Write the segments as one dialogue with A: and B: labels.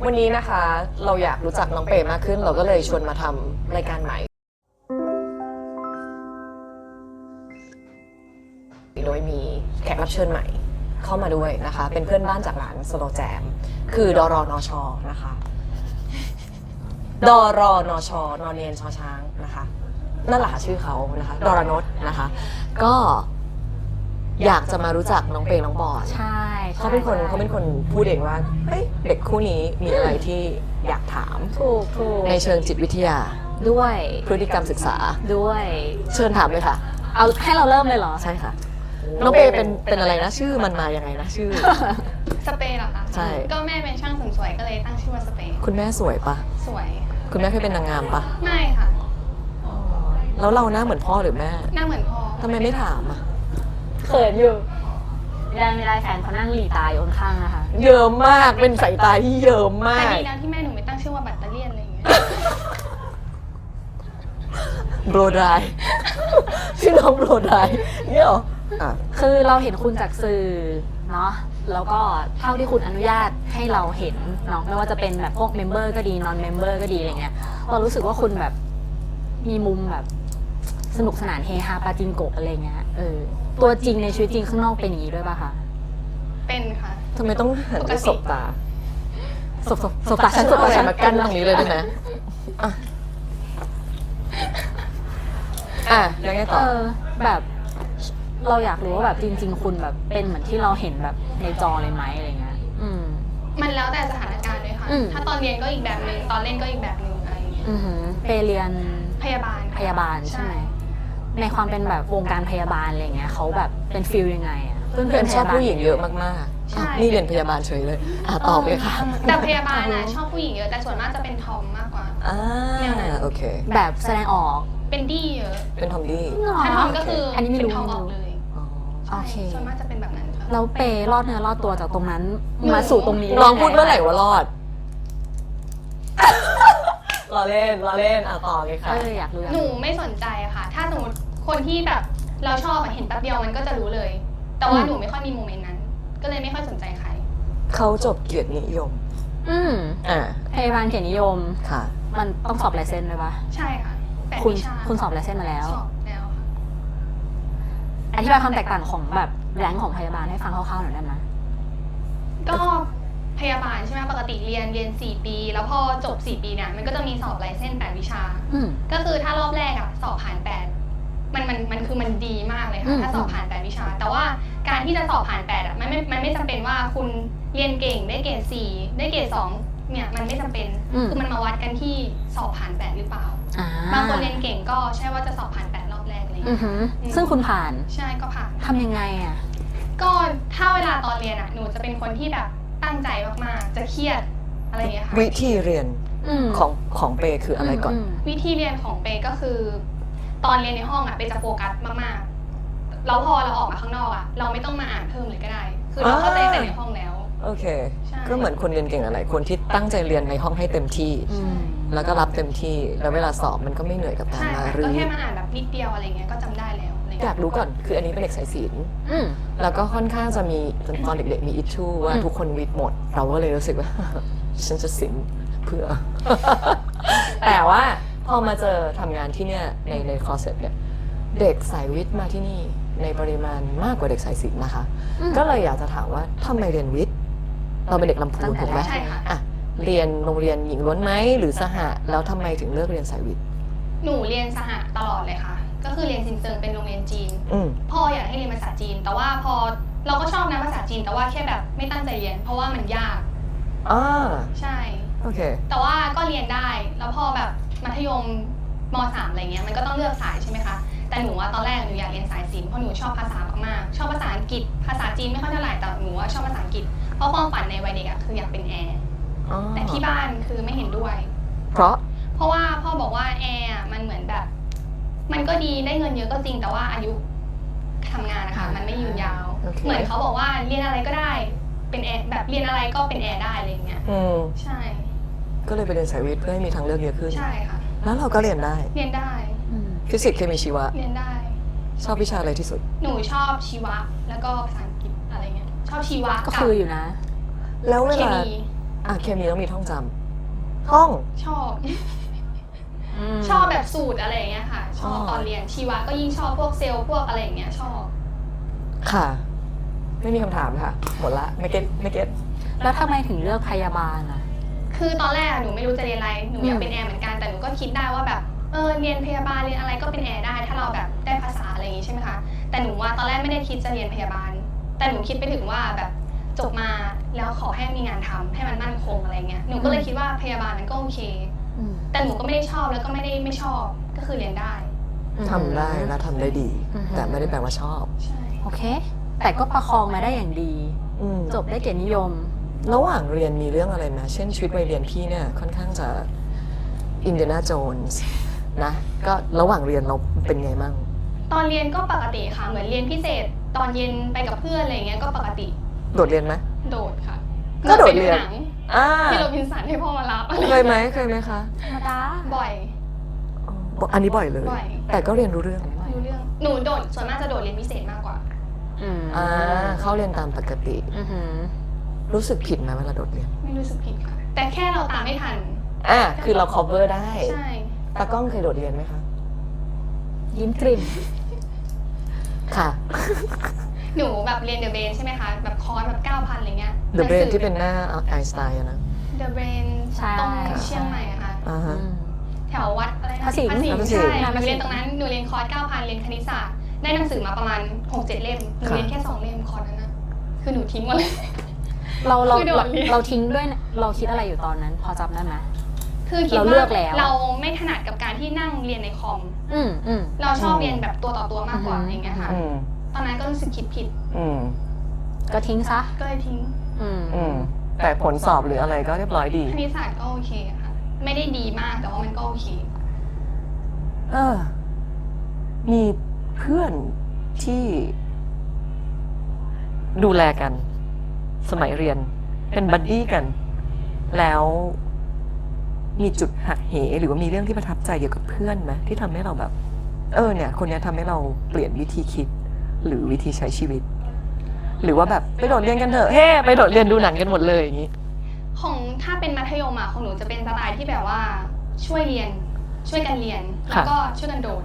A: วันนี้นะคะเราอยากรู้จักน้องเปย์มากขึ้นเราก็เลยชวนมาทำรายการใหม่โดยมีแขกรับเชิญใหม่เข้ามาด้วยนะคะเป็นเพื่อนบ้านจากร้านสโลแจมคือดรนชนะคะดรนชนอนเนนชอช้างนะคะนั่นแหละชื่อเขานะคะดรนชนะคะก็อยากจะมารู้จักน้องเปย์น้องบอล
B: ใช่
A: เขาเป็นคนพูดเองว่าเฮ้ยเด็กคู่นี้มีอะไรที่อยากถาม
B: ถูก
A: ในเชิงจิตวิทยา
B: ด้วย
A: พฤติกรรมศึกษา
B: ด้วย
A: เชิญถามเลยค่ะ
B: เอาให้เราเริ่มเลยเหรอ
A: ใช่ค่ะน้องเปย์เป็นอะไรนะชื่อมันมายังไงนะชื่อ
C: สเปรย์เหรอคะ
A: ใช่
C: ก็แม่เป็นช่างเสริมสวยก็เลยตั้งชื่อว่าสเปรย์
A: คุณแม่สวยปะ
C: สวย
A: คุณแม่เคยเป็นนางงามปะ
C: ไม่ค่ะ
A: แล้วเราหน้าเหมือนพ่อหรือแม่
C: หน้าเหมือนพ่อ
A: ทำไมไม่ถามอ่ะ
B: เขินอยู่ไม่ได้แฟนเขานั่งหลีตาอยู่ข้างๆนะคะ
A: เยิ้มมากเป็นสายตาที่เยิ้มมา
C: แต่
A: ก
C: ดีนะที่แม่หนูไม่ตั้งชื่อว่าแบตเตอรี่อะไรอย่างเงี้ย
A: โบรดาย ชื่อน้องโบรดายเนี่ยเหรออ่ะ
B: คือเราเห็นคุณจากสื่อเนาะแล้วก็เท่าที่คุณอนุญาตให้เราเห็นเนาะไม่ว่าจะเป็นแบบพวกเมมเบอร์ก็ดีนอนเมมเบอร์ก็ดีอะไรเงี้ยเรารู้สึกว่าคุณแบบมีมุมแบบสนุกสนานเฮฮาปาจิงโกะอะไรเงี้ยตัวจริงในชีวิตจริงข้างนอกเป็นอย่างนี้ด้วยป่ะคะ
C: เป็นค่ะ
A: ทำไมต้องหันไปสบตา
B: สบตาฉันสบ
A: เอา
B: ตา
A: อะไร
B: ฉัน
A: มากั้นตรงนี้เลยได้ไหมยังไงต่อ
B: แบบเราอยากรู้ว่าแบบจริง ๆ คุณแบบเป็นเหมือนที่เราเห็นแบบในจอเลยไหมอะไรเงี้ย
C: มันแล้วแต่สถานการณ์ด้วยค่ะ ถ้าตอนเรียนก็อีกแบบนึงตอนเล่นก็อีกแบบนึงอะไรอย่างเงี้ย
B: ไปเรียน
C: พยาบาลค่ะ
B: พยาบาลใช่ไหมในความเป็นแบบวงการพยาบาลอะไรเงี้ยเขาแบบเป็นฟิลยังไงอะ
A: เพื่อนชอบผู้หญิงเยอะมากๆนี่เรียนพยาบาลเฉยเลยตอบเลยค่ะ
C: แต่พยาบาลชอบผู้หญิงเยอะแต่ส่วนมากจะเป็นทอมมากกว่า
A: โอเค
B: แบบแสดงออก
C: เป็นดี้เยอะ
A: เป็นทอมดี้
C: ถ้าทอมก็คือ
B: อันนี้ไม่รู้
C: เป็นทอมออกเลย
B: โอเค
C: ส่วนมากจะเป็นแบบนั้นค่ะ
B: เราเปรอดเนื้อรอดตัวจากตรงนั้นมาสู่ตรงนี้
A: ลองพูดเมื่อไหร่ว่ารอดรอเล่นต่อเลยค่ะ
B: อยากรู้
C: หนูไม่สนใจอะค่ะ ถ้าสมมติคนที่แบบเราชอบเห็นแป๊บเดียวมันก็จะรู้เลย แต่ว่าหนูไม่ค่อยมีโมเมนต์นั้น ก็เลยไม่ค่อยสนใจใคร
A: เขาจบเกียรตินิยม
B: พยาบาลเกียรตินิยม
A: ค่ะ
B: มันต้องสอบลายเซ็นด้วยปะ
C: ใช่ค่ะแปด
B: คุณ
C: วิชา
B: คุณสอบลายเซ็นมาแล้ว
C: สอบแล้วค่ะ
B: อธิบายความแตกต่างของแบบแรงของพยาบาลให้ฟังคร่าวๆหน่อยได้ไหม
C: ก็พยาบาลใช่ไหมปกติเรียน 4 ปี แล้วพอจบ 4 ปีเนี่ยมันก็จะมีสอบไลเซนส์8 วิชา ก็คือถ้ารอบแรกอะสอบผ่าน8มันคือมันดีมากเลยค่ะถ้าสอบผ่าน8 วิชา แต่ว่าการที่จะสอบผ่าน8อะมันไม่จำเป็นว่าคุณเรียนเก่งได้เกรด4ได้เกรด2เนี่ยมันไม่จำเป็นคือมันมาวัดกันที่สอบผ่าน8หรือเปล่าบางคนเรียนเก่งก็ใช่ว่าจะสอบผ่าน8รอบแรกอะไรอย่างเงี้ย
B: ซึ่งคุณผ่าน
C: ใช่ก็ผ่าน
B: ทำยังไงอะ
C: ก็ถ้าเวลาตอนเรียนอะหนูจะเป็นคนที่แบบตั้งใจมากๆจะเครียดอะไรอย่างเงี้ยค่ะ
A: วิธีเรียนของเปย์คืออะไรก่อน
C: วิธีเรียนของเปก็คือ ตอนเรียนในห้องอะเปจะโฟกัสมากๆแล้วพอเราออกมาข้างนอกอะเราไม่ต้องมาอ่านเพิ่มเลยก็ได้ คือเราเข้าใจแต่ในห้องแล้ว
A: โอเค
C: ใช่
A: ก็เหมือนคนเรียนเก่งอะไรคนที่ตั้งใจเรียนในห้องให้เต็มที่ แล้วก็รับเต็มที่แล้วเวลาสอบมันก็ไม่เหนื่อยกับการ
C: ใช่
A: มา
C: ค่ะ
A: รื้
C: ก็
A: อ
C: แค่มาอ่านแบบนิดเดียวอะไรเงี้ยก็จำได้แล้วอะไร
A: อ
C: เงี้
A: ยาย กรู้ก่อนคืออันนี้เป็นเด็กสายศิลป์แล้วก็ค่อนข้างจะมีตอนเด็กๆมีอิชชูว่าทุกคนวิทย์หมด เราก็เลยรู้สึกว่า ฉันจะศิลป์เพื่อ แต่ว่าพอมาเจอทำงานที่เนี่ยในคอร์สเนี่ยเด็กสายวิทย์มาที่นี่ในปริมาณมากกว่าเด็กสายศิลป์นะคะ ก็เลยอยากจะถามว่าทำไมเรียนวิทย์เราเป็นเด็กลำพูนถูกไหม
C: ใช่ค่ะ
A: อ่ะเรียนโรงเรียนหญิงล้วนไหมหรือสหะแล้วทำไมถึงเลือกเรียนสายวิทย์
C: หนูเรียนสหะตลอดเลยค่ะ ก็คือเรียนซินเซิงเป็นโรงเรียนจีน พ่ออยากให้เรียนภาษาจีน แต่ว่าพอเราก็ชอบนะภาษาจีน แต่ว่าแค่แบบไม่ตั้งใจเรียน เพราะว่ามันยากใช่
A: โอเค
C: แต่ว่าก็เรียนได้ แล้วพอแบบมัธยมม.3 อะไรเงี้ยมันก็ต้องเลือกสายใช่ไหมคะ แต่หนูว่าตอนแรกหนูอยากเรียนสายศิลป์เพราะหนูชอบภาษามากๆชอบภาษาอังกฤษภาษาจีนไม่ค่อยเท่าไหร่แต่หนูว่าชอบภาษาอังกฤษเพราะความฝันในวัยเด็กอะคืออยากเป็นแอร์แต่ที่บ้านคือไม่เห็นด้วย
A: เพราะ
C: เพราะว่าพ่อบอกว่าแอร์มันเหมือนแบบ มันก็ดีได้เงินเยอะก็จริงแต่ว่าอายุทำงานนะคะมันไม่ยืนยาว เหมือนเขาบอกว่าเรียนอะไรก็ได้เป็นแอร์แบบเรียนอะไรก็เป็นแอร์ได้อะไรอย่างเงี้ยใช่
A: ก็เลยไปเรียนสายวิทย์เพื่อให้มีทางเลือกเยอะขึ้น
C: ใช่ค่ะ
A: แล้วเราก็เรียนได้
C: เรียนได้
A: ฟิสิกส์เคมีชีวะ
C: เรียนได้
A: ชอบวิชาอะไรที่สุด
C: หนูชอบชีวะแล้วก็ภาษาอังกฤษอะไรเงี้ยชอบชีวะ
B: ก็คืออยู่นะ
A: แล้วเว
C: เค
A: ลา
C: มี
A: เคมีต้องมีท่องจำท่อง
C: ชอบ ชอบแบบสูตรอะไรอย่างเงี้ยค่ะ ชอบตอนเรียนชีวะก็ยิ่งชอบพวกเซลล์พวกอะไรอย่างเงี้ยชอบ
A: ค่ะ ไม่มีคำถามค่ะ หมดละไม่เก็ต
B: แล้วทำไมถึงเลือกพยาบาลอ่ะ
C: คือตอนแรกหนูไม่รู้จะเรียนอะไร หนูอยากเป็นแอร์เหมือนกัน แต่หนูก็คิดได้ว่าแบบ เรียนพยาบาลเรียนอะไรก็เป็นแอร์ได้ ถ้าเราแบบได้ภาษาอะไรอย่างงี้ใช่ไหมคะ แต่หนูว่าตอนแรกไม่ได้คิดจะเรียนพยาบาล แต่หนูคิดไปถึงว่าแบบจบมาแล้วขอให้มีงานทำให้มันมั่นคงอะไรเงี้ย หนูก็เลยคิดว่าพยาบาลมันก็โอเค แต่หนูก็ไม่ได้ชอบแล้วก็ไม่ได้ไม่ชอบ ก็คือเรียนได้
A: ทำได้และทำได้ดี แต่ไม่ได้แปลว่าชอบ
C: ใช่
B: โอเค แต่ก็ประคองมาได้อย่างดี จบได้เกียรตินิยม
A: ระหว่างเรียนมีเรื่องอะไรไหมเช่นชีวิตวัยเรียนพี่เนี่ยค่อนข้างจะอินเดียนาโจนส์นะ ก็ระหว่างเรียนเราเป็นไงมั่ง
C: ตอนเรียนก็ปกติค่ะ เหมือนเรียนพิเศษ ตอนเย็นไปกับเพื่อนอะไรเงี้ยก็ปกติ
A: โดดเรียนไหม
C: โดดค่ะ
A: ก็โดดเรียน
C: หนัง พี่โรบินสันให้พ่อมารับอะไร
A: เคยไหมคะ
B: ธรรมดา
C: บ่อย
A: อันนี้บ่อยเลย
C: บ่อย
A: แต่ก็เรียนรู้เรื่อง
C: รู้เรื่อง หนูโดดส่วนมากจะโดดเรียนพิเศษมากกว่า
A: เข้าเรียนตามปกติ รู้สึกผิดไหมเวลาโดดเรียน
C: ไม่รู้สึกผิดค่ะ แต่แค่เราตามไม่ทัน
A: คือเรา cover ได้
C: ใช่
A: ตากล้องเคยโดดเรียนไหมคะ
B: ยิ้มกลิ่ม
A: ค่ะ
C: หนูแบบเรียนเดอะเบนใช่ไหมคะ แบบคอร์สแบบ 9,000 อะไรเงี้ย
A: The Brain ที่เป็นหน้าไอน์สไตน์อะนะ
C: เดอะเบน
B: ใช่
C: ตรงเชียงใหม่อะค่ะ
A: อ่าฮะ
C: แถววัดอะไรนะ
B: พระสิงห์
C: ใช่หนูเรียนตรงนั้น หนูเรียนคอร์ส 9,000 เรียนคณิตศาสตร์ ได้หนังสือมาประมาณ 6-7 เล่ม หนูเรียนแค่ 2 เล่มคอร์สนั้นนะคือหนูทิ้งหมดเลย คือโดดเรียน
B: เราทิ้งด้วยนะเราคิดอะไรอยู่ตอนนั้น พอจำได้ไหม
C: คือคิด
B: เราเลื
C: ว่า
B: อกแล้ว
C: เราไม่ถนัดกับการที่นั่งเรียนในคอม
B: อืม
C: เราชอบเรียนแบบตัวต่อตัวมากกว่าอย่างเงี้ยค่ะ ตอนนั้นก็รู้สึกคิดผิด
B: ก็ทิ้งซะ
C: ก็เลยทิ้ง
A: แต่ผลสอบหรืออะไรก็เรียบร้อยดี
C: คณิตศาสตร์ก็โอเคค่ะ ไม่ได้ดีมากแต่ว่ามันก็โอเค
A: มีเพื่อนที่ดูแลกัน สมัยเรียนเป็นบัดดี้กัน แล้วมีจุดหักเหหรือว่ามีเรื่องที่ประทับใจเกี่ยวกับเพื่อนไหมที่ทำให้เราแบบ เนี่ย คนนี้ทำให้เราเปลี่ยนวิธีคิด หรือวิธีใช้ชีวิต หรือว่าแบบไปโดดเรียนกันเถอะไปโดดเรียนดูหนังกันหมดเลยอย่างนี้
C: ของถ้าเป็นมัธยมของหนูจะเป็นสไตล์ที่แบบว่าช่วยเรียน ช่วยกันเรียน แล้วก็ช่วยกันโดด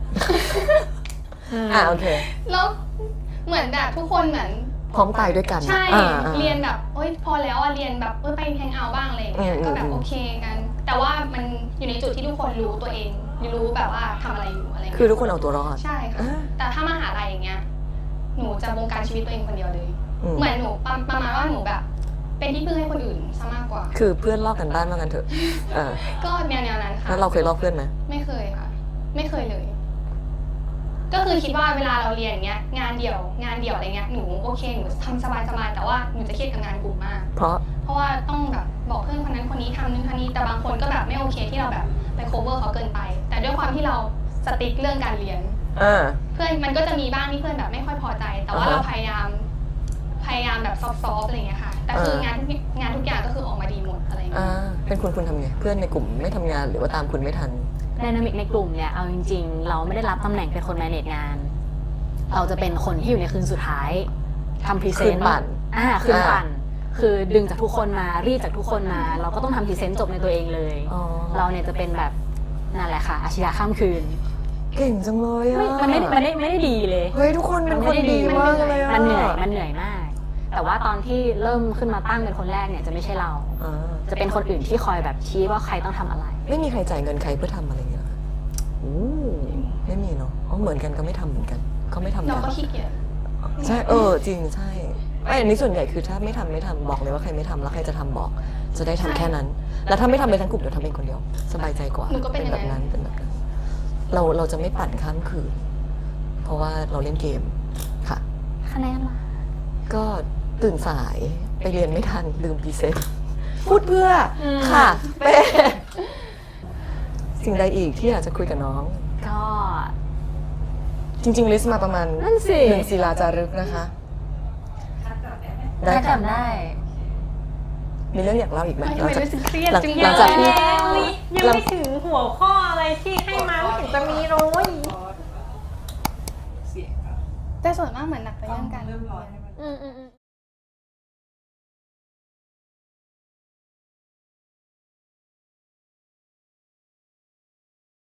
A: โอเค
C: แล้วเหมือนแบบทุกคนเหมือน
A: พร้อมตายด้วยกัน
C: ใช่ เรียนแบบพอแล้วเรียนแบบไปแฮงเอาท์บ้างอะไรอย่างเงี้ย ก็แบบโอเคกัน แต่ว่ามันอยู่ในจุดที่ทุกคนรู้ตัวเอง รู้แบบว่าทำอะไรอยู่อะไร
A: คือทุกคนเอาตัวรอด
C: ใช่ค่ะ แต่ถ้ามหาลัยอย่างเงี้ย หนูจะบงการชีวิตตัวเองคนเดียวเลย เหมือนหนูประมาณว่าหนูแบบ เป็นที่พึ่งให้คนอื่นซะมากกว่า
A: คือเพื่อนลอกกันบ้านว่ากันเถอะ
C: ก็แนวนั้นค่ะ
A: แล้วเราเคยลอกเพื่อนไหม
C: ไม่เคยค่ะ ไม่เคยเลย ก็คือคิดว่าเวลาเราเรียนอย่างเงี้ย งานเดี่ยวอะไรเงี้ย หนูโอเค หนูทำสบายๆ แต่ว่าหนูจะเครียดกับงานกลุ่มมาก
A: เพราะ
C: ว่าต้องแบบบอกเพื่อนคนนั้นคนนี้ทำนู่นทำนี่ แต่บางคนก็แบบไม่โอเคที่เราแบบไป cover เขาเกินไป แต่ด้วยความที่เราสติ๊กเรื่องการเรียน เพื่อนมันก็จะมีบ้างที่เพื่อนแบบไม่ค่อยพอใจ แต่ว่าเราพยายามแบบซอฟต์ๆอะไรอย่างเงี้ยค่ะ แต่คืองานทุกอย่างก็คือออกมาดีหมดอะไรอย่างเงี้ย
A: เป็นคุณทำไง เพื่อนในกลุ่มไม่ทำงานหรือว่าตามคุณไม่ทัน
B: ไดนามิกในกลุ่มเนี่ย เอาจริงๆ เราไม่ได้รับตำแหน่งเป็นคน manage งาน เราจะเป็นคนที่อยู่ในคืนสุดท้ายทำพรีเซนต์
A: คืนปั่น
B: คืนปั่น คือดึงจากทุกคนมารีดจากทุกคนมา เราก็ต้องทำพรีเซนต์จบในตัวเองเลย เราเนี่ยจะเป็นแบบนั่นแหละค่ะอาชญาข้ามคืน
A: เก่งจังเลยอ่ะ
B: มันไม่ได้ดีเลย
A: เฮ้ยทุกคนเป็นคนดีมากเลยอ่ะ
B: มันเหนื่อยมาก แต่ว่าตอนที่เริ่มขึ้นมาตั้งเป็นคนแรกเนี่ยจะไม่ใช่เรา จะเป็นคนอื่นที่คอยแบบชี้ว่าใครต้องทำอะไร
A: ไม่มีใครจ่ายเงินใครเพื่อทำอะไรอย่างเงี้ยหรอคะไม่มีเนาะเหมือนกันก็ไม่ทำเหมือนกันเขาไม่ทำกั
C: เรา
A: น
C: ก็ขี้เกียจ
A: ใช่จริงใช่อันนี้ส่วนใหญ่คือถ้าไม่ทำบอกเลยว่าใครไม่ทำแล้วใครจะทำบอก จะได้ทำแค่นั้น แล้วถ้าไม่ทำเลยทั้งกลุ่มเดี๋ยวทำเองคนเดียวสบายใจกว่า
C: หนูก็เป็นอย่าง
A: แบบ
C: นั้
A: นั้น นเป็นแบบนั้นเราจะไม่ปั่นข้ามคืน เพราะว่าเราเล่นเกมค่ะ
B: คะแนนล่ะ
A: ก็ตื่นสายไปเรียนไม่ทันลืมพรีเซนต์พูดเพื่อค่ะเป้สิ่งใดอีกที่อยากจะคุยกับน้อง
B: ก็
A: จริงๆลิสต์มาประมาณ
B: นั่นสิ
A: 1 ศิลาจารึกนะคะ
B: ได้
A: ค่ะ
B: จำได้
A: มีเรื่องอยากเล่าอีกไหม
C: ทำไมรู้สึกเครียดจัง
A: หลังจากที่
D: ยังไม่ถึงหัวข้ออะไรที่ให้มาไม่ถึงจะมีเลย
C: แต่ส่วนมากเหมือนหนักไปเรื่องการเรียน
B: อืม